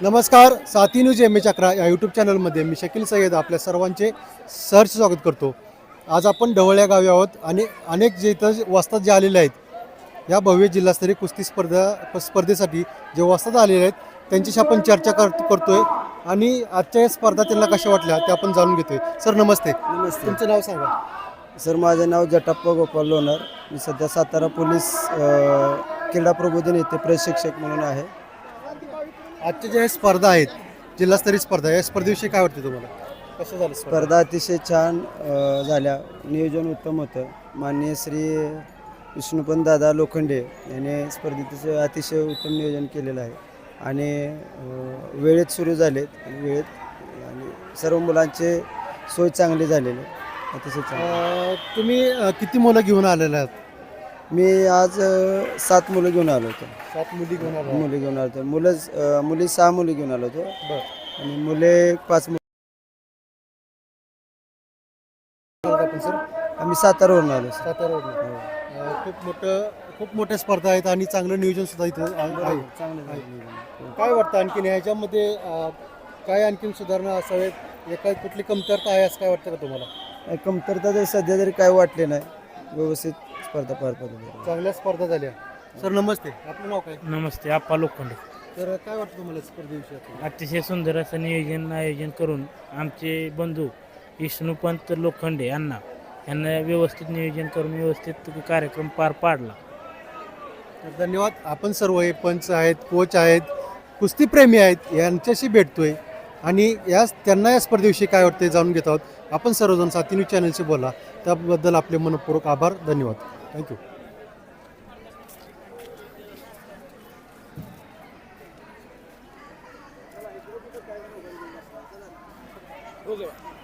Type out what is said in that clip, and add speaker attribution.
Speaker 1: नमस्कार, साथी news M H 11 या यूट्यूब चॅनलमध्ये मी शकील सय्यद आपल्या सर्वांचे सहर्ष स्वागत करतो. आज आपण ढवळ या गावी आहोत आणि अनेक जे इथं वस्तात जे आलेले आहेत या भव्य जिल्हास्तरीय कुस्ती स्पर्धेसाठी जे वस्तात आलेले आहेत त्यांच्याशी आपण चर्चा करतोय आणि आजच्या या स्पर्धा त्यांना कशा वाटल्या ते आपण जाणून घेतोय. सर नमस्ते.
Speaker 2: नमस्ते
Speaker 1: तुमचं नाव सांगा.
Speaker 2: सर. माझे नाव जटाप्पा गोपाल लोणार. मी सध्या सातारा पोलीस क्रीडा प्रबोधन येथे प्रशिक्षक म्हणून आहे.
Speaker 1: आजच्या ज्या स्पर्धा आहेत जिल्हास्तरीय स्पर्धा या स्पर्धेविषयी काय वाटते तुम्हाला? कसं झालं
Speaker 2: स्पर्धा अतिशय छान झाल्या. नियोजन उत्तम होतं. माननीय श्री विष्णुपंत दादा लोखंडे यांनी स्पर्धेचं अतिशय उत्तम नियोजन केलेलं आहे आणि वेळेत सुरू झालेत आणि वेळेत आणि सर्व मुलांचे सोय चांगली झालेली अतिशय चांगली.
Speaker 1: तुम्ही किती मुलं घेऊन आलेले आहात?
Speaker 2: मी आज 7 मुलं घेऊन आलो होतो.
Speaker 1: 7 मुली घेऊन आलो.
Speaker 2: मुली घेऊन आलो होतो. मुली 6 मुली घेऊन आलो होतो
Speaker 1: बरं.
Speaker 2: आणि मुले 5
Speaker 1: आपण सर
Speaker 2: आम्ही सातारावरून आलो सर.
Speaker 1: सातारावरून. खूप मोठ्या स्पर्धा आहेत आणि चांगलं नियोजन सुद्धा इथं आहे.
Speaker 2: चांगलं झालं.
Speaker 1: काय वाटतं आणखीन ह्याच्यामध्ये काय आणखीन सुधारणा असावेत? एका कुठली कमतरता आहे असं काय वाटतं का तुम्हाला?
Speaker 2: कमतरता तर सध्या तरी काय वाटले नाही. व्यवस्थित स्पर्धा पार पडली.
Speaker 1: चांगल्या स्पर्धा झाल्या. सर नमस्ते. आपलं नाव काय?
Speaker 3: नमस्ते. आप्पा लोखंडे.
Speaker 1: तर काय वाटतं तुम्हाला स्पर्धेविषयी?
Speaker 3: अतिशय सुंदर असं आयोजन करून आमचे बंधू विष्णुपंत लोखंडे यांना व्यवस्थित नियोजन करून व्यवस्थित कार्यक्रम पार पाडला.
Speaker 1: तर धन्यवाद. आपण सर्व हे पंच आहेत, कोच आहेत, कुस्तीप्रेमी आहेत यांच्याशी भेटतोय आणि त्यांना या स्पर्धेविषयी काय वाटते जाणून घेत आहोत. आपण सर्वजण साथी न्यूज चॅनलशी बोला त्याबद्दल आपले मनपूर्वक आभार. धन्यवाद. थँक्यू.